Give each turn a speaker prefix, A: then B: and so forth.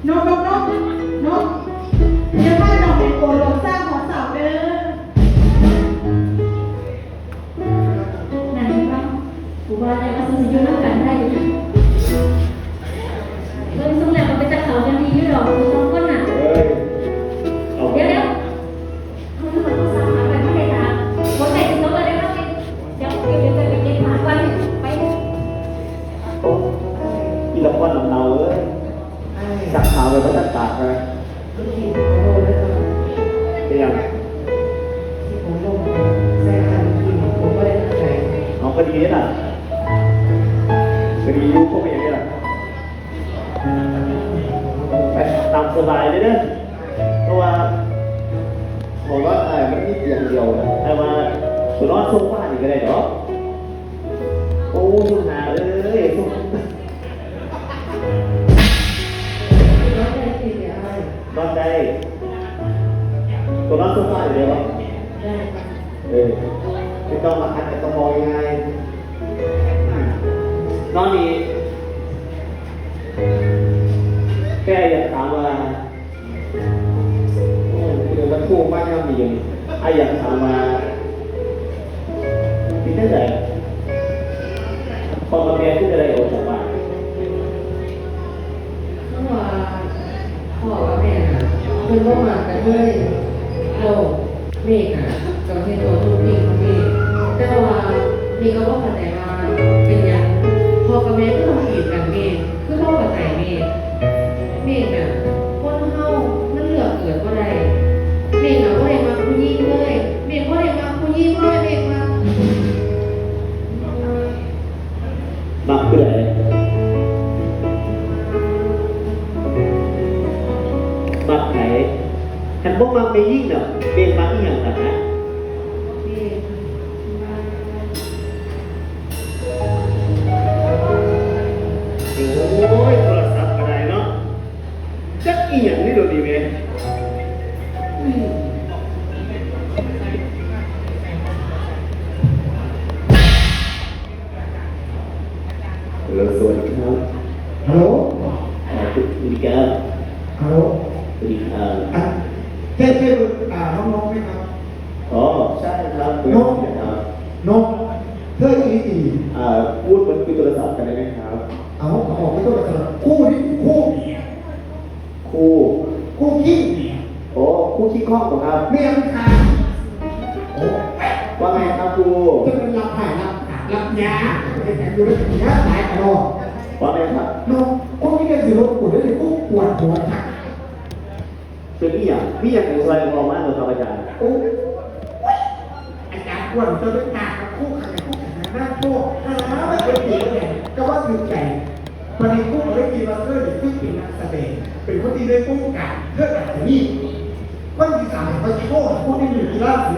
A: นกจะพาน้องเป็นโกโลสร้างของสาวเด้อนั่นบ้างกูว่าได้มาซื้ออยู่น้ำกันได้เริ่มส่งแล้วมันเป็นตะเขากันดีอยู่หรอกคือต้องก้นหนักเดี๋ยวเขาจะมาต้องสั่งมาไปไม่ได้ทางคนไหนจะต้องมาได้บ้างเดี๋ยวไปเก็บหมาก่อนไป
B: ที่ละคนเราเลยสักขาวเลยก็ตัดตากเลยเรียงเอาคดีนี่น่ะคดียุคพวกอย่างนี้แหละไปตามสบายเลยเด้อเพราะว่าผมว่ามันมีเตียงเดียวแต่ว่าตัวนอนโซฟานี่ก็ได้เนาะโอ้ยหาเลยนอนได้ตัวนอนโซฟาอยู่เดียวไม่ต้องมาคัดแต่ต้องมองยังไงนอนนี่แค่อยากถามว่าเดี๋ยวมันคู่บ้านยังมีอยู่อยากถามว่าที่นั่นไหนพอมาเรียนที่อะไรออกจากบ้าน
C: เพราะว่าพ่อกับแม่คือว่ามากันด้วยเราเมฆกับเทตัวทุกปีของเมฆแต่ว่าเมฆก็ว่าเข้าใจว่าเป็นอย่างพ่อกับแม่ก็ต้องขีดกันเมฆคือพ่อเข้าใจเมฆคนเฮามันเหลือเกิดว่าใดเมฆว่าใดมาผู้ยิ่งเลยเมฆว่าใดมาผู้ยิ่งเลยเมฆ
B: มาเพื่ออะไรมาไหนฉันบอกมาไม่ยิ่งเนาะเป็นมาอีกอย่างนะโอ้ยโทรศัพท์อะไรเนาะจักอีหยังนี่โดนดีไหมสวัสดีครับ
D: ฮัลโหล
B: สวัสดีครับ
D: ฮัลโหล
B: สวัสดีครับ
D: เท่น้องไหมครับ
B: อ๋อใช่ครับ
D: น้องเธออี
B: พูดบนคุยโทรศัพท์กันได้ไหมครับ
D: เอาออกไปตัวละคู่นี่คู่ขี้
B: โอ้คู่ขี้ข้องเหรอครับ
D: เมียมันขาดโอ้
B: ว่าไงครับครู
D: จะเป็นรับหายรับยาเป็นแผลดูแลยาหายตลอด
B: ว่าไงครับ
D: น้องคู่นี้เป็นสิรถปวดได้คู่ปวดหัวทัก
B: เป็นนี่อย่างในซอยมองมากเลยครับอาจารย์
D: โอ้อาจารย์ปวดจะเป็นตากับคู่ขันหน้าโป้ไม่เป็นปีเลยก็ว่าคือแก่วันนี้คู่ได้กินมาเพื่อที่เป็นนักแสดงเป็นคนที่ได้คู่กันเพื่ออาจจะนี่คนที่สามเขาโชว์คู่ที่อยู่ที่ล่าสุด